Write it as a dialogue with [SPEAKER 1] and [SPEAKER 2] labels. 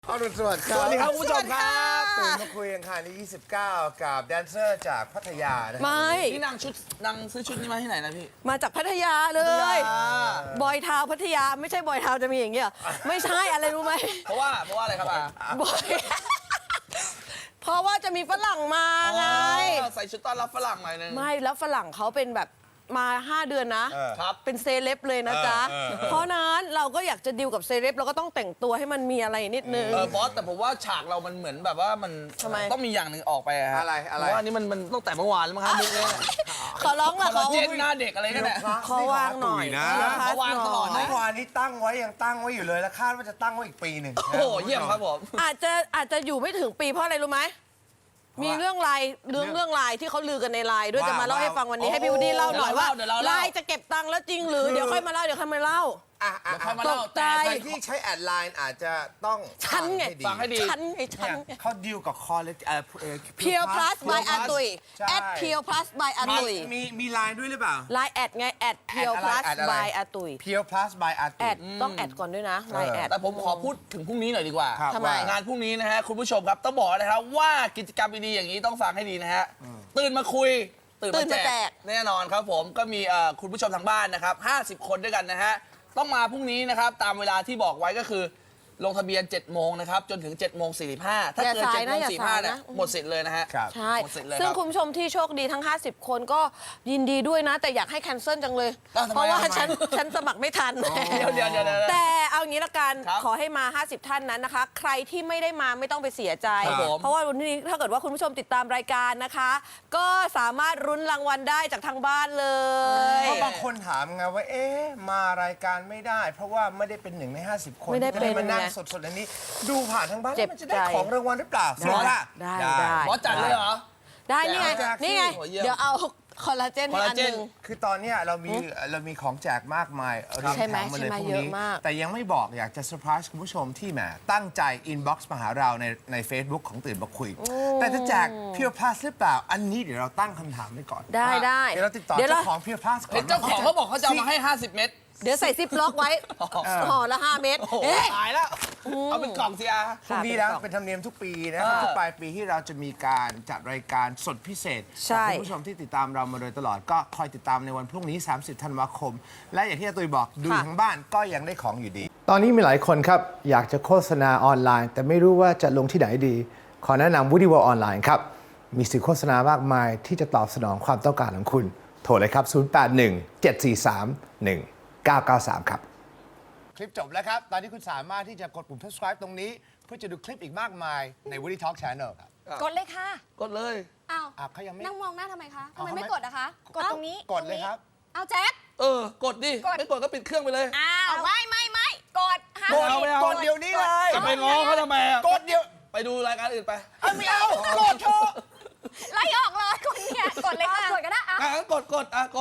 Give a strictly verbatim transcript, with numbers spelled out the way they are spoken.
[SPEAKER 1] อรุณสวัสดิ์ครับ
[SPEAKER 2] สวัสดีครับคุณผู้ชมครับ
[SPEAKER 1] ตื่นมาคุยกันค่ะในยี่สิบเก้ากับแดนเซอร์จากพัทยานะ
[SPEAKER 3] ไม่
[SPEAKER 2] นี่นางชุดนางซื้อชุดนี้มาที่ไหนนะพี่
[SPEAKER 3] มาจากพัทยาเลย บอยทาวน์พัทยาไม่ใช่บอยทาวน์จะมีอย่างเงี้ยไม่ใช่อะไรรู้ไหม
[SPEAKER 2] เพราะว่าเพราะว่าอะไรครับอา
[SPEAKER 3] บอย เพราะว่าจะมีฝรั่งมาไง
[SPEAKER 2] อ๋อใส่ชุดต้อนรับฝรั่งหน่อยนึง
[SPEAKER 3] ไม่แล้วฝรั่งเขาเป็นแบบมาห้าเดือนนะ
[SPEAKER 1] เออ
[SPEAKER 2] ครับ
[SPEAKER 3] เป็นเซเลบเลยนะจ๊ะ
[SPEAKER 1] เออเออเออ
[SPEAKER 3] เพราะนั้นเราก็อยากจะดิวกับเซเลบเราก็ต้องแต่งตัวให้มันมีอะไรนิดนึง
[SPEAKER 2] เออบอสแต่ผมว่าฉากเรามันเหมือนแบบว่ามัน
[SPEAKER 3] ทำไม
[SPEAKER 2] ต้องมีอย่างหนึ่งออกไปฮะ
[SPEAKER 1] อะไรอะไร
[SPEAKER 2] เพราะว่าอันนี้มันมันตั้งแต่เมื่อวานแล้วมั้งครับมุกเนี้ย
[SPEAKER 3] ขอร้องละ
[SPEAKER 2] คอล
[SPEAKER 3] ขอ
[SPEAKER 2] ลาเจนหน้าเด็กอะไรกันเนี่ย
[SPEAKER 3] ขอวางหน่อย
[SPEAKER 1] นะ
[SPEAKER 3] ขอ
[SPEAKER 2] เขาวางตลอดนะ
[SPEAKER 1] เมื่อวานนี้ตั้งไว้ยังตั้งไว้อยู่เลยแล้วคาดว่าจะตั้งไว้อีกปีหนึ่ง
[SPEAKER 2] โอ้โหเยี่ยมครับผม
[SPEAKER 3] อาจจะอาจจะอยู่ไม่ถึงปีเพราะอะไรรู้ไหมมีเรื่องไลน์เรื่องเรื่องไลน์ที่เขาลือกันในไลน์ด้วยจะมาเล่าให้ฟังวันนี้ให้พี่วูดดี้เล่าหน่อยว่าไลน์จะเก็บตังค์แล้วจริงหรือเดี๋ยวค่อยมาเล่าเดี๋ยวค่อยมาเล่า
[SPEAKER 1] อ่ะอ่ะ
[SPEAKER 2] เดี๋ยวค่อยมา
[SPEAKER 3] ต
[SPEAKER 2] เล่าก
[SPEAKER 3] ใจ
[SPEAKER 2] แต่
[SPEAKER 1] ใครที่ใช้แอดไลน์อาจจะต้อง
[SPEAKER 3] ฉันไง
[SPEAKER 2] ฟังให้ดี
[SPEAKER 3] ฉันไงฉัน
[SPEAKER 1] เนี่ย
[SPEAKER 3] ไง
[SPEAKER 1] เขาดีลกับคอเลเอ่อเอ่อ
[SPEAKER 3] Pure Plus by อาตุย
[SPEAKER 1] ใช่
[SPEAKER 3] แอด Pure Plus by อาตุย
[SPEAKER 1] มีมีไลน์ด้วยหรือเปล่า
[SPEAKER 3] ไลน์แอดไงแอด Pure
[SPEAKER 1] แอดอะไร
[SPEAKER 3] Plus
[SPEAKER 1] แอดอะไร
[SPEAKER 3] by อาตุย
[SPEAKER 1] Pure Plus by อา
[SPEAKER 3] แอ
[SPEAKER 1] ตุ
[SPEAKER 3] ดต้องแอดก่อนด้วยนะไลน์แอด
[SPEAKER 2] แต่ผมขอพูดถึงพรุ่งนี้หน่อยดีกว่า
[SPEAKER 1] ครับ
[SPEAKER 3] ทำไม
[SPEAKER 1] ว่า
[SPEAKER 2] งานพรุ่งนี้นะฮะคุณผู้ชมครับต้องบอกนะครับว่ากิจกรรมดีๆอย่างนี้ต้องฟังให้ดีนะฮะตื่นมาคุย ตื่น
[SPEAKER 3] ตื่น
[SPEAKER 2] มา
[SPEAKER 3] มา
[SPEAKER 2] แจ
[SPEAKER 3] แจ
[SPEAKER 2] ก
[SPEAKER 3] ก
[SPEAKER 2] แน่นอนครับผมก็มีเอ่อคุณผู้ชมทางบ้านนะครับห้าสิบคนด้วยกันนะฮะต้องมาพรุ่งนี้นะครับตามเวลาที่บอกไว้ก็คือลงทะเบียนเจ็ดโมงนะครับจนถึงเจ็ดโมงสี่สิบห้าถ้าเกิน
[SPEAKER 3] อย่าสาย
[SPEAKER 2] เจ็ด
[SPEAKER 3] นะ
[SPEAKER 2] โมง
[SPEAKER 3] อย่า
[SPEAKER 2] สี่
[SPEAKER 3] สาย
[SPEAKER 2] ห้าเนี่ย
[SPEAKER 3] นะ
[SPEAKER 2] หมดสิทธิ์เลยนะฮะ
[SPEAKER 1] ครับ
[SPEAKER 3] ใช่
[SPEAKER 2] หมดสิทธิ์เลย
[SPEAKER 3] ซึ่ง
[SPEAKER 2] ครับ
[SPEAKER 3] คุณผู้ชมที่โชคดีทั้ง ห้าสิบ คนก็ยินดีด้วยนะ แต่อยากให้แคนเซิลจังเลย
[SPEAKER 2] อ้าวทำไม
[SPEAKER 3] เพราะว่า
[SPEAKER 2] ทำไม
[SPEAKER 3] ฉันฉันสมัครไม่ทัน
[SPEAKER 2] เดี๋ยวเดี๋ยวเดี๋ยวเดี๋ยว
[SPEAKER 3] แต่เอางี้ละกัน
[SPEAKER 2] ครับ
[SPEAKER 3] ขอให้มา ห้าสิบ ท่านนั้นนะคะ ใครที่ไม่ได้มาไม่ต้องไปเสียใจ
[SPEAKER 2] ครับผม
[SPEAKER 3] เพราะว่าวันนี้ถ้าเกิดว่าคุณผู้ชมติดตามรายการนะคะ ก็สามารถรุ้นรางวัลได้จากทางบ้านเลย
[SPEAKER 1] เพราะบางคนถามไงว่าเอ๊ะมารายการไม่ได้ เพราะว่าไม่ได้เป็นหนึ่งในห้าสิบคน
[SPEAKER 3] ไม่ได้
[SPEAKER 1] ที่จะได้มานั่ง
[SPEAKER 3] เป็นไง
[SPEAKER 1] สดๆอันนี้ ดูผ่านทางบ้าน
[SPEAKER 3] เจ็บ
[SPEAKER 1] มันจะได้
[SPEAKER 3] ใจ
[SPEAKER 1] ของรางวัลหรือเปล่า
[SPEAKER 3] ได้
[SPEAKER 1] สิว่า
[SPEAKER 3] ได้ได้
[SPEAKER 2] บอสจัดเลยเหรอ
[SPEAKER 3] ได้นี่ไง
[SPEAKER 1] แจกสิ
[SPEAKER 3] นี่ไง
[SPEAKER 2] โอ้เยี่ยม
[SPEAKER 3] เดี๋ยวเอาคอลลาเจนให้อันหนึ่ง
[SPEAKER 1] คือตอนเนี้ยเรามีเรามีของแจกมากมายเรียง
[SPEAKER 3] ใช่ไหม
[SPEAKER 1] แถมมาเลย
[SPEAKER 3] ใช่ไหม
[SPEAKER 1] พรุ่ง
[SPEAKER 3] เยอะ
[SPEAKER 1] นี้
[SPEAKER 3] มาก
[SPEAKER 1] แต่ยังไม่บอกอยากจะเซอร์ไพรส์คุณผู้ชมที่แหมตั้งใจอินบ็อกซ์มาหาเราในใน Facebook ของตื่นมาคุย แต่จะแจก Pure Plus หรือเปล่า อันนี้เดี๋ยวเราตั้งคำถามไว้ก่อน
[SPEAKER 3] ได้ได้
[SPEAKER 1] เดี๋ยวเราติดต่อ
[SPEAKER 3] เดี๋ยวเรา
[SPEAKER 1] เจ้าของ Pure Plus ก่อ
[SPEAKER 2] เห็น
[SPEAKER 1] น
[SPEAKER 2] เจ้าของเขาบอกเขาจะเอามาให้ห้าสิบเม็ด
[SPEAKER 3] เดี๋ยวใส่ซิปล็อกไว้ห่อละห้าเม็ด
[SPEAKER 2] โอ้โห
[SPEAKER 3] เอ๊ะ
[SPEAKER 2] ตายแล้วเอาเป็นกล่องสิอา
[SPEAKER 1] พรุ่งนี้นะเป็นธรรมเนียมทุกปีนะครับทุกปลายปีที่เราจะมีการจัดรายการสดพิเศษ
[SPEAKER 3] ใช่
[SPEAKER 1] กับคุณผู้ชมที่ติดตามเรามาโดยตลอดก็คอยติดตามในวันพรุ่งนี้ สามสิบ ธันวาคม และอย่างที่อาตุยบอกดูอยู่ทั้งบ้านก็ยังได้ของอยู่ดี ตอนนี้มีหลายคนครับ อยากจะโฆษณาออนไลน์ แต่ไม่รู้ว่าจะลงที่ไหนดี ขอแนะนำ Woody World ออนไลน์ครับ มีสื่อโฆษณามากมายที่จะตอบสนองความต้องการของคุณ โทรเลยครับ ศูนย์ แปด หนึ่ง เจ็ด สี่ สาม หนึ่ง เก้า เก้า สาม ครับ คลิปจบแล้วครับ ตอนนี้คุณสามารถที่จะกดปุ่ม subscribe ตรงนี้ เพื่อจะดูคลิปอีกมากมายใน Woody Talk Channel ครับ
[SPEAKER 4] กดเลยค่ะ
[SPEAKER 2] กดเลย
[SPEAKER 4] อ้าว
[SPEAKER 1] อ่ะเขายังไม่
[SPEAKER 4] นั่งมองหน้าทำไมคะทำ
[SPEAKER 1] เอา
[SPEAKER 4] ไม
[SPEAKER 1] ทำไม
[SPEAKER 4] ไม่กดอะคะ กด
[SPEAKER 1] เอ้า
[SPEAKER 4] ตรงนี้
[SPEAKER 1] กดเลยครับ
[SPEAKER 4] เอาแจ็ค
[SPEAKER 2] เออกดดิ
[SPEAKER 4] กด
[SPEAKER 2] ไม่กดก็ปิดเครื่องไปเลย
[SPEAKER 4] อ้าว ไม่ไม่ไม่กดห้าม
[SPEAKER 2] กดเอาไม่เอา
[SPEAKER 1] กดเดี๋ยวนี้เลย
[SPEAKER 2] จะไปง้อเขาทำไมอะ
[SPEAKER 1] กดเดี๋ยว
[SPEAKER 2] ไปดูรายการอื่นไป
[SPEAKER 1] เอาไม่เอากดเถอะ
[SPEAKER 4] ไล่ออกเลยคนเนี่ย กดเลยค่ะ กดก็ได้อะ
[SPEAKER 2] อ่ะงั้นกดกดอ่ะกด